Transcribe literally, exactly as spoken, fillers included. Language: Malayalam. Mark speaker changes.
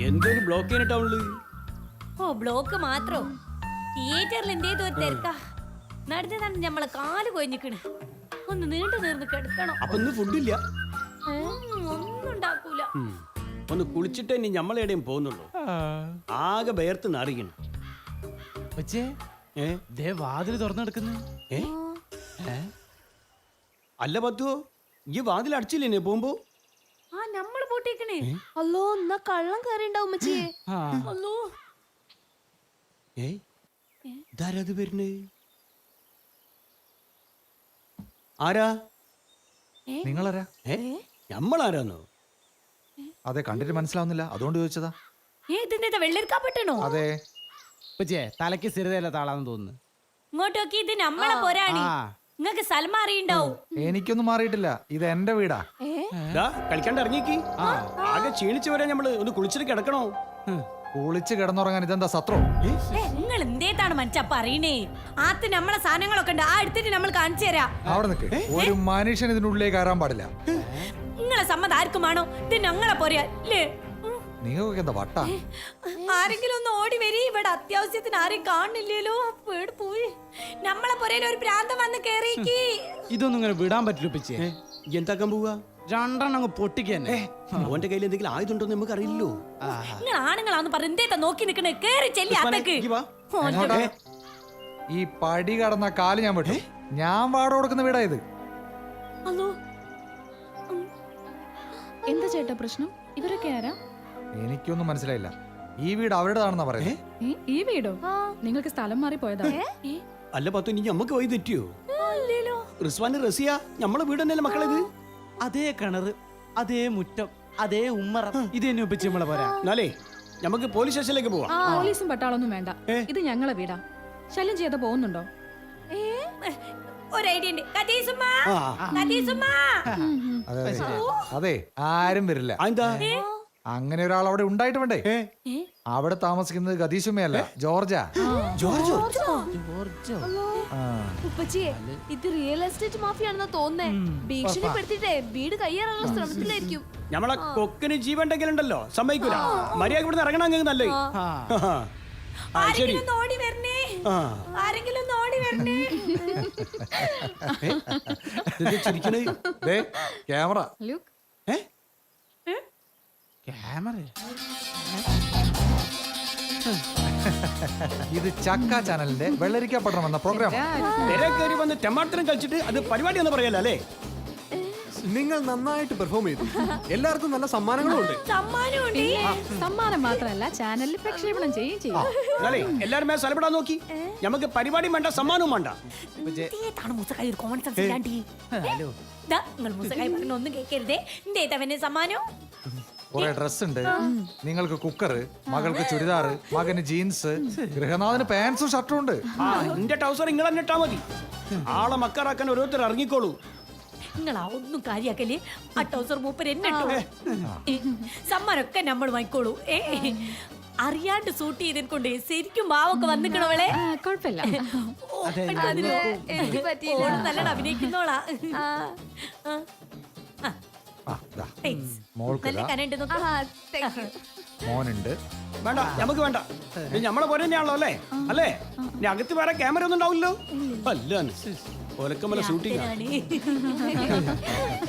Speaker 1: എന്തൊരു ബ്ലോക്ക് ചെയ്യുന്ന ടൗണില്.
Speaker 2: ഓ ബ്ലോക്ക് മാത്രോ? തിയേറ്ററിൽ എന്തേതോ ഒരു തിരക്കാ. നടന്നതാണ് നമ്മളെ കാല് കൊഞ്ഞിക്കണ്. ഒന്ന് നീണ്ടു നീർന്ന് കിടക്കണം.
Speaker 1: അപ്പൊ ഇന്ന് ഫുഡില്ല.
Speaker 2: ഒന്നും ഉണ്ടാക്കൂല.
Speaker 1: ഒന്ന് കുളിച്ചിട്ട് ഇനി നമ്മളെവിടെയും പോകുന്നുള്ളൂ. ആകെ ബയർത്ത് നാറിക്കണം.
Speaker 3: വാതില് തുറന്നെടുക്കുന്നു.
Speaker 1: അല്ല പത്തുവോ, ഈ വാതിൽ അടച്ചില്ലേ പോകുമ്പോ?
Speaker 2: ആ നമ്മള് പൂട്ടിക്കണേ.
Speaker 4: അല്ലോ എന്നാ കള്ളം കയറിണ്ടാവും ഉമ്മച്ചിയെ.
Speaker 2: അല്ലോ
Speaker 1: ഏയ് ഇതാരത് വരുന്നേ? ആരാ?
Speaker 5: നിങ്ങളാരാ?
Speaker 1: ഏ നമ്മളാരാന്നോ?
Speaker 5: അതെ, കണ്ടിട്ട് മനസ്സിലാവുന്നില്ല, അതുകൊണ്ട് ചോദിച്ചതാ.
Speaker 2: ഏ ഇതിന്റെ വെള്ളരിക്കാ പെട്ടണോ?
Speaker 5: അതെ.
Speaker 3: തലക്ക് സ്ഥിരതയല്ല താളാന്ന് തോന്നുന്നു.
Speaker 2: ഇങ്ങോട്ട് നോക്കി, ഇത് നമ്മളെ പോരാണി. നിങ്ങക്ക് സൽമ അറിയണ്ടാവും.
Speaker 5: എനിക്കൊന്നും മാറിയിട്ടില്ല, ഇത് എന്റെ വീടാ.
Speaker 1: കളിക്കാണ്ട് ഇറങ്ങിക്ക്. ആകെ ക്ഷീണിച്ചു വരാൻ നമ്മള് ഒന്ന് കുളിച്ചിട്ട് കിടക്കണോ?
Speaker 5: കുളിച്ച് കിടന്നുറങ്ങാൻ ഇതെന്താ സത്രോ?
Speaker 2: നിങ്ങൾ എന്തേതാണ് മനുഷ്യ പറയണേ? ആത്ത് നമ്മളെ സാധനങ്ങളൊക്കെ ഉണ്ട്, ആ എടുത്തിട്ട് നമ്മൾ കാണിച്ചു തരാം.
Speaker 5: അവിടെ നിൽക്ക്. ഒരു മനുഷ്യൻ ഇതിനുള്ളിലേക്ക് കയറാൻ പാടില്ല.
Speaker 2: നിങ്ങളെ സമ്മതം ആർക്കുമാണോ? ഇത് ഞങ്ങളെ പോരാ അല്ലേ?
Speaker 5: നിങ്ങൾക്ക് എന്താ വട്ടാ?
Speaker 2: ആരെങ്കിലും ഒന്ന് ഓടി വരി, ഇവിടെ അത്യാവശ്യത്തിന് ആരെയും കാണില്ലല്ലോ. വീട് പോയി നമ്മളെ പുരയിൽ ഒരു പ്രാന്തം വന്ന് കേറിക്ക്.
Speaker 3: ഇതൊന്നും ഇങ്ങനെ വിടാൻ പറ്റില്ല ഉപ്പച്ചി.
Speaker 1: എന്താക്കാൻ പോവാ?
Speaker 3: രണ്ടെണ്ണം അങ്ങ് പൊട്ടിക്കന്നെ.
Speaker 1: ഓന്റെ കയ്യിൽ എന്തെങ്കിലും ആയുധമുണ്ടോ നമുക്ക് അറിയില്ലോ.
Speaker 2: നിങ്ങൾ ആണുങ്ങളാന്ന് പറഞ്ഞ എന്തേത്താ നോക്കി നിക്കണേ? കേറി ചെല്ലി അതൊക്കെ.
Speaker 5: ഈ പടി കടന്ന കാല് ഞാൻ വിട്ടു. ഞാൻ വാട കൊടുക്കുന്ന വീടാ ഇത്.
Speaker 4: എന്താ ചേട്ടാ പ്രശ്നം? ഇവരൊക്കെ ആരാ?
Speaker 5: എനിക്കൊന്നും മനസ്സിലായില്ല. ഈ വീട് അവരുടെതാണെന്നാ പറയുന്നത്.
Speaker 4: ഈ വീടോ? നിങ്ങൾക്ക് സ്ഥലം മാറി പോയതാ?
Speaker 1: അല്ല പത്തു, ഇനി നമ്മക്ക് പോയി തെറ്റിയോ? റിസ്വാന് റസിയ നമ്മളെ വീട് തന്നെയല്ലേ മക്കളെ ഇത്?
Speaker 3: അതേ കിണറ്, അതേ മുറ്റം, അതേ ഉമ്മറ. ഇത് തന്നെ ഉപ്പച്ചി നമ്മളെ പോരാ.
Speaker 1: എന്നാലേ നമുക്ക് പോലീസ് സ്റ്റേഷനിലേക്ക് പോവാം.
Speaker 4: പോലീസും പട്ടാളൊന്നും വേണ്ട, ഇത് ഞങ്ങളെ വീടാ. ശല്യം ചെയ്ത പോകുന്നുണ്ടോ?
Speaker 2: ഒരു ഐഡിയ ഉണ്ട്. കതീസുമ്മാ, കതീസുമ്മാ.
Speaker 5: അതെ അതെ, ആരും വരില്ല.
Speaker 1: എന്താ
Speaker 5: അങ്ങനെ ഒരാൾ അവിടെ ഉണ്ടായിട്ട് വേണ്ടേ? അവിടെ താമസിക്കുന്നത് ഗതീശുമ്മയല്ല, ജോർജാ.
Speaker 1: ജോർജോ?
Speaker 4: ഉപ്പച്ചിയെ, ഇത് റിയൽ എസ്റ്റേറ്റ് മാഫിയാണെന്നാ തോന്നുന്നേ. ഭീഷണിപ്പെടുത്തിട്ടേ വീട് കയ്യേറാനുള്ള ശ്രമത്തിലായിരിക്കും.
Speaker 1: നമ്മളെ കൊക്കിന് ജീവണ്ടെങ്കിലുണ്ടല്ലോ സമ്മതിക്കൂല. മര്യാദ ഇവിടുന്ന് ഇറങ്ങണമെങ്കിൽ നല്ലേ.
Speaker 2: ആരെങ്കിലും ഓടി വരണേ, ആരെങ്കിലും ഓടി വരണേ.
Speaker 5: Camera
Speaker 3: camera.
Speaker 5: ഇത് ചക്ക ചാനലിന്റെ വെള്ളരിക്ക പട്ടണം എന്ന പ്രോഗ്രാം.
Speaker 1: കയറി വന്ന് ടെമാട്ടറും കളിച്ചിട്ട് അത് പരിപാടി എന്ന് പറയല്ലേ അല്ലേ?
Speaker 6: നിങ്ങൾ നന്നായിട്ട് പെർഫോം ചെയ്തു. എല്ലാവർക്കും നല്ല സമ്മാനങ്ങളും ഉണ്ട്.
Speaker 4: സമ്മാനം മാത്രമല്ല, ചാനലിൽ പ്രക്ഷേപണം ചെയ്യുകയും ചെയ്യും.
Speaker 1: എല്ലാരും സ്ഥലപ്പെടാൻ നോക്കി. നമുക്ക് പരിപാടിയും വേണ്ട, സമ്മാനവും വേണ്ട.
Speaker 2: ഒന്നും കേൾക്കരുതേ. എന്തേതവന്റെ സമ്മാനം?
Speaker 5: കുറെ ഡ്രസ് ഉണ്ട്. നിങ്ങൾക്ക് കുക്കറ്, മകൾക്ക് ചുരിദാറ്, മകന് ജീൻസ്, ഗൃഹനാഥന് പാൻസും ഷർട്ടും ഉണ്ട്.
Speaker 1: എന്റെ ടൗസർ നിങ്ങൾ തന്നെ ഇട്ടാ മതി. ആളെ മക്കാറാക്കാൻ ഓരോരുത്തർ ഇറങ്ങിക്കോളൂ.
Speaker 2: നിങ്ങൾ ഒന്നും കാര്യാക്കല്ലേ. ആ ടൗസർ മൂപ്പർ എന്നെ സമ്മാനമൊക്കെ നമ്മൾ വാങ്ങിക്കോളൂ. ഏ അറിയാണ്ട് സൂട്ട് ചെയ്തത് കൊണ്ട് ശരിക്കും ഭാവൊക്കെ വന്നിക്കണവളെ.
Speaker 4: കുഴപ്പമില്ല,
Speaker 2: നല്ലത് അഭിനയിക്കുന്നോളാ. നല്ല കനണ്ട്
Speaker 5: മോനുണ്ട്.
Speaker 1: വേണ്ട, നമുക്ക് വേണ്ട. നമ്മളെ പോലെ തന്നെയാണല്ലോ അല്ലേ? അല്ലേ? ഇനി അകത്ത് വേറെ ക്യാമറ ഒന്നും ഉണ്ടാവില്ലോ. അല്ല ഒലക്കമല ഷൂട്ടിംഗ്.